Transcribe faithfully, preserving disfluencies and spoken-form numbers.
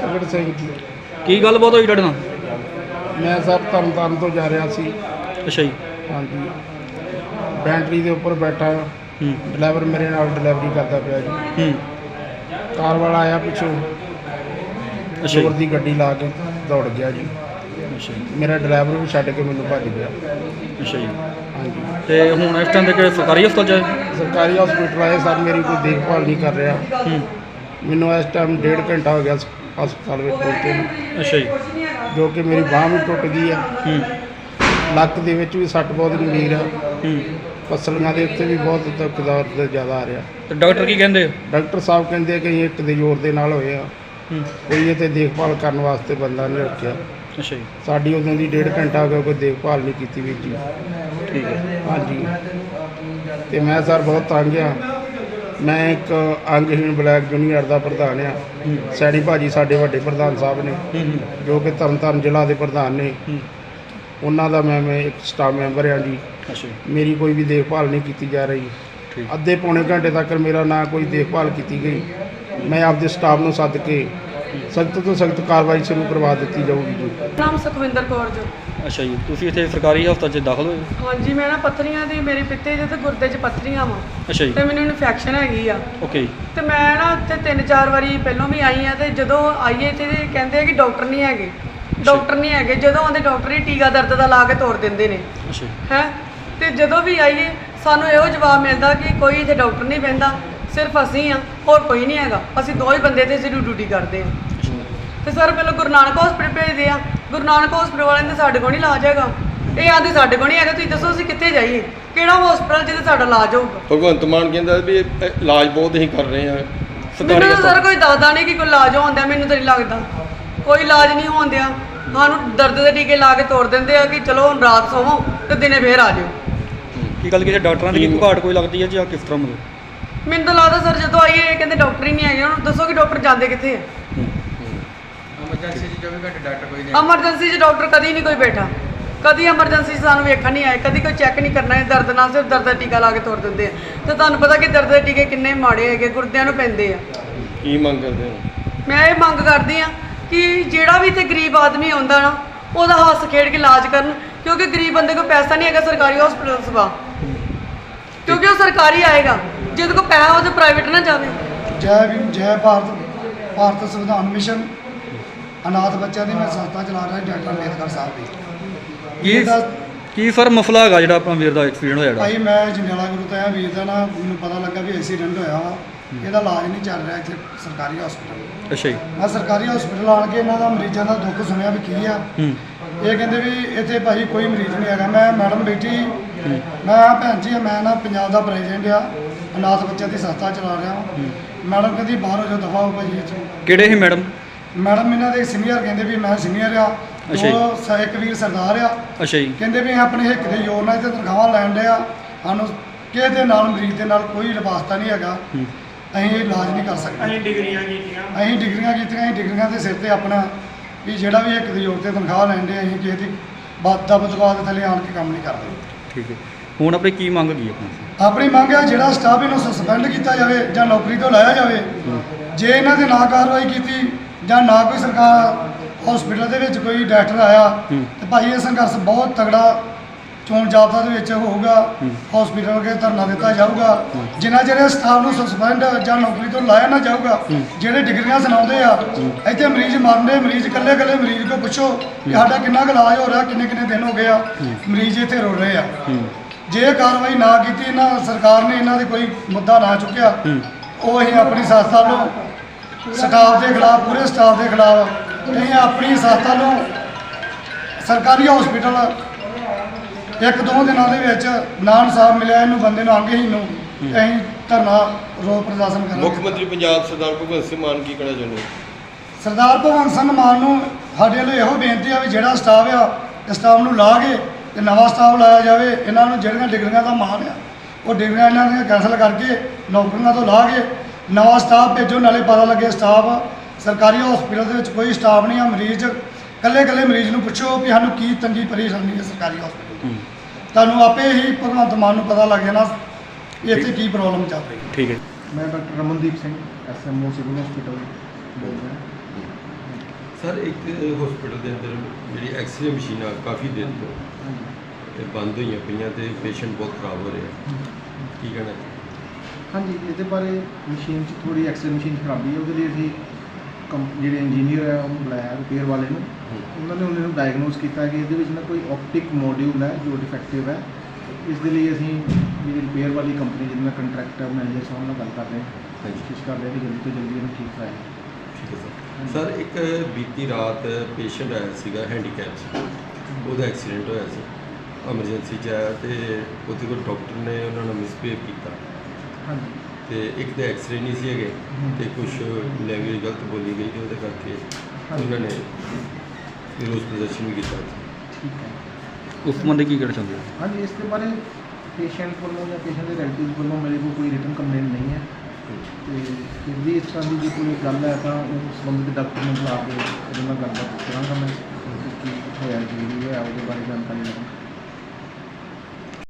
ਪ੍ਰਗਟ ਸਿੰਘ ਜੀ। ਕੀ ਗੱਲਬਾਤ ਹੋਈ ਤੁਹਾਡੇ ਨਾਲ? ਮੈਂ ਸਰ ਤਰਨਤਾਰਨ ਤੋਂ ਜਾ ਰਿਹਾ ਸੀ। ਅੱਛਾ ਜੀ। ਹਾਂਜੀ, ਬੈਂਟਰੀ ਦੇ ਉੱਪਰ ਬੈਠਾ, ਹੂੰ ਡਰਾਈਵਰ ਮੇਰੇ ਨਾਲ ਡਿਲੀਵਰੀ ਕਰਦਾ ਪਿਆ ਜੀ। ਹੂੰ ਕਾਰ ਵਾਲਾ ਆਇਆ ਪਿੱਛੋਂ, ਅੱਛਾ ਜ਼ੋਰ ਜੀ। ਦੀ ਗੱਡੀ ਲਾ ਕੇ ਦੌੜ ਗਿਆ ਜੀ। ਅੱਛਾ ਜੀ। ਮੇਰਾ ਡਰਾਈਵਰ ਵੀ ਛੱਡ ਕੇ ਮੈਨੂੰ ਭੱਜ ਗਿਆ। ਅੱਛਾ ਜੀ। ਹਾਂਜੀ, ਤੇ ਹੁਣ ਇਸ ਟਾਈਮ ਤੇ ਕਿਹੜੇ ਸਰਕਾਰੀ ਹਸਪਤਾਲ 'ਚ ਹੈ? ਸਰਕਾਰੀ ਹਸਪੀਟਲ ਆਏ ਸਰ, ਮੇਰੀ ਕੋਈ ਦੇਖਭਾਲ ਨਹੀਂ ਕਰ ਰਿਹਾ। ਹੂੰ ਮੈਨੂੰ ਇਸ ਟਾਈਮ ਡੇਢ ਘੰਟਾ ਹੋ ਗਿਆ ਹਸਪਤਾਲ ਵਿੱਚ ਪਹੁੰਚੇ ਨੂੰ, ਅੱਛਾ ਜੀ। ਜੋ ਕਿ ਮੇਰੀ ਬਾਂਹ ਵੀ ਟੁੱਟ ਗਈ ਆ। ਹੂੰ ਲੱਕ ਦੇ ਵਿੱਚ ਵੀ ਸੱਟ ਬਹੁਤ ਗੰਭੀਰ ਆ। ਹੂੰ ਪਸਲੀਆਂ ਦੇ ਉੱਤੇ ਵੀ ਬਹੁਤ ਤਕਦਾਰ ਤੇ ਜ਼ਿਆਦਾ ਆ ਰਿਹਾ। ਤੇ ਡਾਕਟਰ ਕੀ ਕਹਿੰਦੇ? ਡਾਕਟਰ ਸਾਹਿਬ ਕਹਿੰਦੇ ਕਿ ਇਹ ਇੱਕ ਦੇ ਜ਼ੋਰ ਦੇ ਨਾਲ ਹੋਏ ਆ, ਹੂੰ ਕੋਈ ਇੱਥੇ ਦੇਖਭਾਲ ਕਰਨ ਵਾਸਤੇ ਬੰਦਾ ਨਹੀਂ ਰੱਖਿਆ। ਅੱਛਾ ਜੀ। ਸਾਡੀ ਉਦੋਂ ਦੀ ਡੇਢ ਘੰਟਾ ਹੋ ਗਿਆ, ਕੋਈ ਦੇਖਭਾਲ ਨਹੀਂ ਕੀਤੀ ਵੀਰ ਜੀ। ਠੀਕ ਹੈ। ਹਾਂਜੀ, ਤੇ ਮੈਂ ਸਰ ਬਹੁਤ ਤੰਗ ਆ। ਮੈਂ ਇੱਕ ਅੰਗਹੀਣ ਬਲੈਕ ਯੂਨੀਅਨ ਦਾ ਪ੍ਰਧਾਨ ਆ। ਹੂੰ ਸੈਣੀ ਭਾਜੀ ਸਾਡੇ ਵੱਡੇ ਪ੍ਰਧਾਨ ਸਾਹਿਬ ਨੇ, ਹੂੰ ਹੂੰ ਜੋ ਕਿ ਤਰਨਤਾਰਨ ਜ਼ਿਲ੍ਹਾ ਦੇ ਪ੍ਰਧਾਨ ਨੇ। ਹੂੰ ਉਹਨਾਂ ਦਾ ਮੈਂ ਮੈਂ ਇੱਕ ਸਟਾਫ ਮੈਂਬਰ ਆ ਜੀ। ਅੱਛਾ ਜੀ। ਮੇਰੀ ਕੋਈ ਵੀ ਦੇਖਭਾਲ ਨਹੀਂ ਕੀਤੀ ਜਾ ਰਹੀ। ਠੀਕ। ਅੱਧੇ ਪੌਣੇ ਘੰਟੇ ਤੱਕ ਮੇਰਾ ਨਾ ਕੋਈ ਦੇਖਭਾਲ ਕੀਤੀ ਗਈ। ਮੈਂ ਆਪਦੇ ਸਟਾਫ ਨੂੰ ਸੱਦ ਕੇ ਸਖਤ ਤੋਂ ਸਖਤ ਕਾਰਵਾਈ ਸ਼ੁਰੂ ਕਰਵਾ ਦਿੱਤੀ ਜਾਊਗੀ ਜੀ। ਨਾਮ ਸੁਖਵਿੰਦਰ ਕੌਰ ਜੀ। ਅੱਛਾ ਜੀ। ਤੁਸੀਂ ਇੱਥੇ ਸਰਕਾਰੀ ਹਸਪਤਾਲ 'ਚ ਦਾਖਲ ਹੋਏ? ਹਾਂਜੀ, ਮੈਂ ਨਾ ਪੱਥਰੀਆਂ ਦੀ, ਮੇਰੀ ਪਿੱਤੇ 'ਚ ਤੇ ਗੁਰਦੇ 'ਚ ਪੱਥਰੀਆਂ ਵਾ ਅੱਛਾ ਜੀ। ਤੇ ਮੈਨੂੰ ਇਨਫੈਕਸ਼ਨ ਹੈਗੀ ਆ। ਓਕੇ। ਤੇ ਮੈਂ ਨਾ ਉੱਥੇ ਤਿੰਨ ਚਾਰ ਵਾਰੀ ਪਹਿਲਾਂ ਵੀ ਆਈ ਆ, ਤੇ ਜਦੋਂ ਆਈਏ ਇੱਥੇ ਤੇ ਕਹਿੰਦੇ ਆ ਕਿ ਡਾਕਟਰ ਨਹੀਂ ਹੈਗੇ, ਡਾਕਟਰ ਨਹੀਂ ਹੈਗੇ। ਜਦੋਂ ਆਉਂਦੇ ਡਾਕਟਰ ਹੀ ਟੀਕਾ ਦਰਦ ਦਾ ਲਾ ਕੇ ਤੋੜ ਦਿੰਦੇ ਨੇ ਅੱਛਾ ਜੀ। ਹੈ। ਤੇ ਜਦੋਂ ਵੀ ਆਈਏ ਸਾਨੂੰ ਇਹੋ ਜਵਾਬ ਮਿਲਦਾ ਕਿ ਕੋਈ ਇੱਥੇ ਡਾਕਟਰ ਨਹੀਂ ਬਹਿੰਦਾ, ਸਿਰਫ ਅਸੀਂ ਆ, ਹੋਰ ਕੋਈ ਨਹੀਂ ਹੈਗਾ। ਅਸੀਂ ਦੋ ਹੀ ਬੰਦੇ ਤੇ ਸਿਰਫ ਡਿਊਟੀ ਕਰਦੇ ਆ। ਤੇ ਸਰ ਪਹਿਲਾਂ ਗੁਰੂ ਨਾਨਕ ਹਸਪੀਟਲ ਭੇਜਦੇ ਆ। ਗੁਰੂ ਨਾਨਕ ਹਸਪੀਟਲ ਵਾਲਿਆਂ ਦੇ ਸਾਡੇ ਕੋਲ ਨਹੀਂ ਇਲਾਜ ਹੈਗਾ। ਇਹ ਆਂਦੇ ਸਾਡੇ ਕੋਲ ਨਹੀਂ ਹੈਗਾ। ਤੁਸੀਂ ਦੱਸੋ ਅਸੀਂ ਕਿੱਥੇ ਜਾਈਏ? ਕਿਹੜਾ ਹਸਪੀਟਲ ਜਿਹਦੇ ਸਾਡਾ ਇਲਾਜ ਹੋਊਗਾ? ਭਗਵੰਤ ਮਾਨ ਕਹਿੰਦਾ ਵੀ ਇਹ ਇਲਾਜ ਬਹੁਤ ਅਸੀਂ ਕਰ ਰਹੇ ਹਾਂ ਸਰਕਾਰੀ ਮੈਨੂੰ ਤਾਂ ਸਰ ਹਸਪਤਾਲ। ਕੋਈ ਦੱਸਦਾ ਨਹੀਂ ਕਿ ਕੋਈ ਇਲਾਜ ਹੁੰਦਾ। ਮੈਨੂੰ ਤਾਂ ਨਹੀਂ ਲੱਗਦਾ ਕੋਈ ਇਲਾਜ ਨਹੀਂ ਹੋਣਦਿਆ। ਸਾਨੂੰ ਦਰਦ ਦੇ ਟੀਕੇ ਲਾ ਕੇ ਤੋੜ ਦਿੰਦੇ ਆ ਕਿ ਚਲੋ ਹੁਣ ਰਾਤ ਸੋਵੋ ਤੇ ਦਿਨੇ ਫੇਰ ਆ ਜਾਓ। ਕੀ ਗੱਲ ਕੀ ਡਾਕਟਰਾਂ ਦੀ ਕੀ ਘਾਟ ਕੋਈ ਲੱਗਦੀ ਹੈ ਜਾਂ ਕਿਸ ਤਰ੍ਹਾਂ ਮਤਲਬ? ਮੈਨੂੰ ਤਾਂ ਲੱਗਦਾ ਸਰ ਜਦੋਂ ਆਈਏ ਇਹ ਕਹਿੰਦੇ ਡਾਕਟਰ ਹੀ ਨਹੀਂ ਹੈਗੇ। ਹੁਣ ਦੱਸੋ ਕਿ ਡਾਕਟਰ ਜਾਂਦੇ ਕਿੱਥੇ ਆ? ਐਮਰਜੈਂਸੀ 'ਚ ਚੌਵੀ ਘੰਟੇ ਡਾਕਟਰ ਕੋਈ ਨਹੀਂ। ਐਮਰਜੈਂਸੀ 'ਚ ਡਾਕਟਰ ਕਦੀ ਨਹੀਂ ਕੋਈ ਬੈਠਾ। ਕਦੀ ਐਮਰਜੈਂਸੀ 'ਚ ਸਾਨੂੰ ਵੇਖਣ ਨਹੀਂ ਆਏ। ਕਦੀ ਕੋਈ ਚੈੱਕ ਨਹੀਂ ਕਰਨਾ ਹੈ। ਦਰਦ ਨਾਲ ਸਿਰਫ ਦਰਦ ਦਾ ਟੀਕਾ ਲਾ ਕੇ ਤੋੜ ਦਿੰਦੇ ਆ। ਤੇ ਤੁਹਾਨੂੰ ਪਤਾ ਕਿ ਦਰਦ ਦੇ ਟੀਕੇ ਕਿੰਨੇ ਮਾੜੇ ਹੈਗੇ, ਗੁਰਦਿਆਂ ਨੂੰ ਪੈਂਦੇ ਆ। ਕੀ ਮੰਗ ਕਰਦੇ ਹੋ? ਮੈਂ ਇਹ ਮੰਗ ਕਰਦੀ ਆ ਕਿ ਜਿਹੜਾ ਵੀ ਇੱਥੇ ਗਰੀਬ ਆਦਮੀ ਆਉਂਦਾ ਨਾ, ਉਹਦਾ ਹੱਸ ਖੇਡ ਕੇ ਇਲਾਜ ਕਰਨ, ਕਿਉਂਕਿ ਗਰੀਬ ਬੰਦੇ ਕੋਲ ਪੈਸਾ ਨਹੀਂ ਹੈਗਾ ਸਰਕਾਰੀ ਹਸਪੀਟਲ ਸਵਾ, ਕਿਉਂਕਿ ਉਹ ਸਰਕਾਰੀ ਆਏਗਾ। ਜਿਹਦੇ ਕੋਲ ਪੈਸਾ ਉਹ ਤੇ ਪ੍ਰਾਈਵੇਟ ਨਾ ਜਾਵੇ। ਜੈ ਭੀਮ, ਜੈ ਭਾਰਤ। ਭਾਰਤ ਸੰਵਿਧਾਨ ਮਿਸ਼ਨ ਅਨਾਥ ਬੱਚਿਆਂ ਦੀ ਮੈਂ ਸੰਸਥਾ ਚਲਾ ਰਿਹਾ ਡਾਕਟਰ ਅੰਬੇਦਕਰ ਸਾਹਿਬ ਦੀ। ਕੀ ਇਹਦਾ ਕੀ ਸਰ ਮਸਲਾ ਹੈਗਾ ਜਿਹੜਾ ਆਪਣਾ ਵੀਰ ਦਾ ਐਕਸੀਡੈਂਟ ਹੋਇਆ ਜਿਹੜਾ? ਭਾਈ ਮੈਂ ਜੰਡਿਆਲਾ ਗੁਰੂ ਤੋਂ ਆਇਆ। ਵੀਰ ਦਾ ਨਾ ਮੈਨੂੰ ਪਤਾ ਲੱਗਾ ਵੀ ਐਕਸੀਡੈਂਟ ਹੋਇਆ ਵਾ। ਇਹਦਾ ਇਲਾਜ ਨਹੀਂ ਚੱਲ ਰਿਹਾ ਇੱਥੇ ਸਰਕਾਰੀ ਹਸਪੀਟਲ। ਅੱਛਾ ਜੀ। ਮੈਂ ਸਰਕਾਰੀ ਹਸਪੀਟਲ ਆਣ ਕੇ ਇਹਨਾਂ ਦਾ ਮਰੀਜ਼ਾਂ ਦਾ ਦੁੱਖ ਸੁਣਿਆ ਵੀ ਕੀ ਆ। ਹੂੰ ਇਹ ਕਹਿੰਦੇ ਵੀ ਇੱਥੇ ਭਾਈ ਕੋਈ ਮਰੀਜ਼ ਨਹੀਂ ਹੈਗਾ। ਮੈਂ ਮੈਡਮ ਬੈਠੀ, ਮੈਂ ਆ ਭੈਣ ਜੀ ਮੈਂ ਨਾ ਪੰਜਾਬ ਦਾ ਪ੍ਰੈਜ਼ੀਡੈਂਟ ਆ, ਅਨਾਥ ਬੱਚਿਆਂ ਦੀ ਸੰਸਥਾ ਚਲਾ ਰਿਹਾ ਹਾਂ। ਮੈਡਮ ਕਹਿੰਦੀ ਬਾਹਰ ਹੋ ਜਾਓ, ਦਫਾ ਹੋ ਭਾਜੀ ਇਹ 'ਚ। ਕਿਹੜੇ ਸੀ ਮੈਡਮ? ਮੈਡਮ ਇਹਨਾਂ ਦੇ ਸੀਨੀਅਰ ਕਹਿੰਦੇ ਵੀ ਮੈਂ ਸੀਨੀਅਰ ਆ। ਅੱਛਾ ਜੀ। ਦੋ ਸ- ਇੱਕ ਵੀਰ ਸਰਦਾਰ ਆ, ਅੱਛਾ ਜੀ। ਕਹਿੰਦੇ ਵੀ ਆਪਣੇ ਹਿੱਕ ਦੇ ਜ਼ੋਰ ਨਾਲ ਇੱਥੇ ਤਨਖਾਹਾਂ ਲੈਣ ਡਿਆ। ਸਾਨੂੰ ਕਿਸੇ ਦੇ ਨਾਲ ਮਰੀਜ਼ ਦੇ ਨਾਲ ਕੋਈ ਵਾਸਤਾ ਨਹੀਂ ਹੈਗਾ। ਹੂੰ ਅਸੀਂ ਇਹ ਇਲਾਜ ਨਹੀਂ ਕਰ ਸਕਦੇ। ਅਸੀਂ ਡਿਗਰੀਆਂ ਕੀਤੀਆਂ ਅਸੀਂ ਡਿਗਰੀਆਂ ਕੀਤੀਆਂ ਅਸੀਂ ਡਿਗਰੀਆਂ ਦੇ ਸਿਰ ਤੇ ਆਪਣਾ ਵੀ ਜਿਹੜਾ ਵੀ ਹਿੱਕ ਦੇ ਜ਼ੋਰ ਤੇ ਤਨਖਾਹ ਲੈਣ ਡੇ, ਅਸੀਂ ਕਿਸੇ ਦੀ ਬਾਤ ਦਾ ਬਦਵਾ ਦੇ ਥੱਲੇ ਆਣ ਕੇ ਕੰਮ ਨਹੀਂ ਕਰਦੇ। ਠੀਕ ਹੈ। ਹੁਣ ਆਪਣੀ ਕੀ ਮੰਗ ਕੀ ਆਪਣੀ? ਆਪਣੀ ਮੰਗ ਹੈ ਜਿਹੜਾ ਸਟਾਫ ਇਹਨੂੰ ਸਸਪੈਂਡ ਕੀਤਾ ਜਾਵੇ ਜਾਂ ਨੌਕਰੀ ਤੋਂ ਲਾਇਆ ਜਾਵੇ। ਜੇ ਇਹਨਾਂ ਦੇ ਨਾ ਕਾਰਵਾਈ ਕੀਤੀ ਜਾਂ ਨਾ ਕੋਈ ਸਰਕਾਰ ਹਸਪੀਟਲ ਦੇ ਵਿੱਚ ਕੋਈ ਡਾਕਟਰ ਆਇਆ ਹੂੰ। ਤੇ ਭਾਈ ਇਹ ਸੰਘਰਸ਼ ਬਹੁਤ ਤਗੜਾ ਚੋਣ ਜਾਬਤਾ ਦੇ ਵਿੱਚ ਹੋਊਗਾ। ਹਸਪੀਟਲ ਕੇ ਧਰਨਾ ਦਿੱਤਾ ਜਾਊਗਾ। ਜਿੰਨਾ ਚਿਰ ਸਟਾਫ ਨੂੰ ਸਸਪੈਂਡ ਜਾਂ ਨੌਕਰੀ ਤੋਂ ਲਾਇਆ ਨਾ ਜਾਊਗਾ। ਜਿਹੜੇ ਡਿਗਰੀਆਂ ਸੁਣਾਉਂਦੇ ਆ ਇੱਥੇ ਮਰੀਜ਼ ਮਰਦੇ, ਮਰੀਜ਼ ਇਕੱਲੇ ਇਕੱਲੇ ਮਰੀਜ਼ ਕੋ ਪੁੱਛੋ ਕਿ ਸਾਡਾ ਕਿੰਨਾ ਕੁ ਇਲਾਜ ਹੋ ਰਿਹਾ, ਕਿੰਨੇ ਕਿੰਨੇ ਦਿਨ ਹੋ ਗਏ ਆ, ਮਰੀਜ਼ ਇੱਥੇ ਰੋ ਰਹੇ ਆ। ਜੇ ਕਾਰਵਾਈ ਨਾ ਕੀਤੀ, ਇਹਨਾਂ ਸਰਕਾਰ ਨੇ ਇਹਨਾਂ ਦੇ ਕੋਈ ਮੁੱਦਾ ਨਾ ਚੁੱਕਿਆ, ਉਹ ਅਸੀਂ ਆਪਣੀ ਸੰਸਥਾ ਨੂੰ ਸਟਾਫ ਦੇ ਖਿਲਾਫ, ਪੂਰੇ ਸਟਾਫ ਦੇ ਖਿਲਾਫ, ਅਸੀਂ ਆਪਣੀ ਸੰਸਥਾ ਨੂੰ ਸਰਕਾਰੀ ਹਸਪੀਟਲ ਇੱਕ ਦੋ ਦਿਨਾਂ ਦੇ ਵਿੱਚ ਨਾ ਇਨਸਾਫ ਮਿਲਿਆ ਇਹਨੂੰ ਬੰਦੇ ਨੂੰ ਅੰਗਹੀਣ ਨੂੰ, ਅਸੀਂ ਧਰਨਾ ਰੋਸ ਪ੍ਰਦਰਸ਼ਨ ਕਰਾਂਗੇ। ਮੁੱਖ ਮੰਤਰੀ ਪੰਜਾਬ ਸਰਦਾਰ ਭਗਵੰਤ ਸਿੰਘ ਮਾਨ ਕੀ ਕਹਿਣਾ ਚਾਹੁੰਦੇ? ਸਰਦਾਰ ਭਗਵੰਤ ਸਿੰਘ ਮਾਨ ਨੂੰ ਸਾਡੇ ਵੱਲੋਂ ਇਹੋ ਬੇਨਤੀ ਆ ਵੀ ਜਿਹੜਾ ਸਟਾਫ ਆ, ਇਸ ਸਟਾਫ ਨੂੰ ਲਾ ਕੇ ਤੇ ਨਵਾਂ ਸਟਾਫ ਲਾਇਆ ਜਾਵੇ। ਇਹਨਾਂ ਨੂੰ ਜਿਹੜੀਆਂ ਡਿਗਰੀਆਂ ਦਾ ਮਾਣ ਆ, ਉਹ ਡਿਗਰੀਆਂ ਇਹਨਾਂ ਦੀਆਂ ਕੈਂਸਲ ਕਰਕੇ ਨੌਕਰੀਆਂ ਤੋਂ ਲਾ ਕੇ ਨਵਾਂ ਸਟਾਫ ਭੇਜੋ। ਨਾਲੇ ਪਤਾ ਲੱਗੇ ਸਟਾਫ ਸਰਕਾਰੀ ਹਸਪੀਟਲ ਦੇ ਵਿੱਚ ਕੋਈ ਸਟਾਫ ਨਹੀਂ ਆ। ਮਰੀਜ਼ ਇਕੱਲੇ ਇਕੱਲੇ ਮਰੀਜ਼ ਨੂੰ ਪੁੱਛੋ ਵੀ ਸਾਨੂੰ ਕੀ ਤੰਗੀ ਪਰੇਸ਼ਾਨੀ ਹੈ ਸਰਕਾਰੀ ਹਸਪੀਟਲ। ਤੁਹਾਨੂੰ ਆਪੇ ਹੀ ਭਗਵੰਤ ਮਾਨ ਨੂੰ ਪਤਾ ਲੱਗ ਜਾਣਾ ਵੀ ਇੱਥੇ ਕੀ ਪ੍ਰੋਬਲਮ ਚੱਲ ਰਹੀ ਹੈ। ਠੀਕ ਹੈ। ਮੈਂ doctor Ramandeep Singh, S M O civil hospital ਬੋਲ ਰਿਹਾ। ਸਰ ਇੱਕ ਹਸਪੀਟਲ ਦੇ ਅੰਦਰ ਜਿਹੜੀ ਐਕਸਰੇ ਮਸ਼ੀਨਾਂ ਕਾਫੀ ਦਿਨ ਤੋਂ ਇਹ ਬੰਦ ਹੋਈਆਂ ਪਈਆਂ ਤੇ ਪੇਸ਼ੈਂਟ ਬਹੁਤ ਖਰਾਬ ਹੋ ਰਿਹਾ ਕੀ ਕਹਿਣਾ? ਹਾਂਜੀ, ਇਹਦੇ ਬਾਰੇ ਮਸ਼ੀਨ 'ਚ ਥੋੜੀ ਐਕਸਰੇ ਮਸ਼ੀਨ ਖਰਾਬੀ ਹੈ, ਉਹਦੇ ਲਈ ਅਸੀਂ ਕੰਪ ਜਿਹੜੇ ਇੰਜੀਨੀਅਰ ਹੈ ਉਹਨੂੰ ਬੁਲਾਇਆ ਰਿਪੇਅਰ ਵਾਲੇ ਨੂੰ। ਉਹਨਾਂ ਨੇ ਉਹਨਾਂ ਨੂੰ ਡਾਇਗਨੋਸ ਕੀਤਾ ਕਿ ਇਹਦੇ ਵਿੱਚ ਨਾ ਕੋਈ ਆਪਟਿਕ ਮੋਡਿਊਲ ਹੈ ਜੋ ਡਿਫੈਕਟਿਵ ਹੈ। ਇਸ ਦੇ ਲਈ ਅਸੀਂ ਜਿਹੜੀ ਰਿਪੇਅਰ ਵਾਲੀ ਕੰਪਨੀ ਜਿਹਦੇ ਨਾਲ ਕੰਟਰੈਕਟਰ ਮੈਨੇਜਰ ਸਾਹਿਬ ਨਾਲ ਗੱਲ ਕਰ ਰਹੇ ਹਾਂ, ਕੋਸ਼ਿਸ਼ ਕਰ ਰਹੇ ਹਾਂ ਕਿ ਜਲਦੀ ਤੋਂ ਜਲਦੀ ਇਹਨੂੰ ਠੀਕ ਕਰਾਇਆ। ਠੀਕ ਹੈ ਸਰ। ਸਰ ਇੱਕ ਬੀਤੀ ਰਾਤ ਪੇਸ਼ੈਂਟ ਆਇਆ ਸੀਗਾ ਹੈਂਡੀਕੈਪ 'ਚ, ਉਹਦਾ ਐਕਸੀਡੈਂਟ ਹੋਇਆ ਸੀ, ਐਮਰਜੈਂਸੀ 'ਚ ਆਇਆ ਤੇ ਉਹਦੇ ਕੋਲ ਡਾਕਟਰ ਨੇ ਉਹਨਾਂ ਨੂੰ ਮਿਸਬਿਹੇਵ ਕੀਤਾ ਹਾਂਜੀ ਤੇ ਇੱਕ ਤਾਂ ਐਕਸਰੇ ਨਹੀਂ ਸੀ ਹੈਗੇ ਤੇ ਕੁਝ ਲੈਂਗੁਏਜ ਗਲਤ ਬੋਲੀ ਗਈ ਤੇ ਉਹਦੇ ਕਰਕੇ ਉਹਨਾਂ ਨੇ ਵਿਰੋਧ ਪ੍ਰਦਰਸ਼ਨ ਵੀ ਕੀਤਾ। ਠੀਕ ਹੈ। ਉਸ ਸੰਬੰਧੀ ਕੀ ਕਹਿਣਾ ਚਾਹੁੰਦੇ ਹੋ? ਹਾਂਜੀ, ਇਸ ਦੇ ਬਾਰੇ ਪੇਸ਼ੈਂਟ ਵੱਲੋਂ ਜਾਂ ਪੇਸ਼ੈਂਟ ਦੇ ਰਿਲੇਟਿਵ ਵੱਲੋਂ ਮੇਰੇ ਕੋਲ ਕੋਈ ਰਿਟਨ ਕੰਪਲੇਂਟ ਨਹੀਂ ਹੈ ਤੇ ਫਿਰ ਵੀ ਇਸ ਤਰ੍ਹਾਂ ਦੀ ਜੇ ਕੋਈ ਗੱਲ ਹੈ ਤਾਂ ਉਸ ਸੰਬੰਧਿਤ ਡਾਕਟਰ ਨੂੰ ਬੁਲਾ ਕੇ ਉਹਦੇ ਨਾਲ ਗੱਲਬਾਤ ਕਰਾਂਗਾ ਮੈਂ ਕਿ ਕੀ ਹੋਇਆ, ਕੀ ਨਹੀਂ ਹੋਇਆ, ਉਹਦੇ ਬਾਰੇ ਜਾਣਕਾਰੀ ਲਵਾਂਗਾ।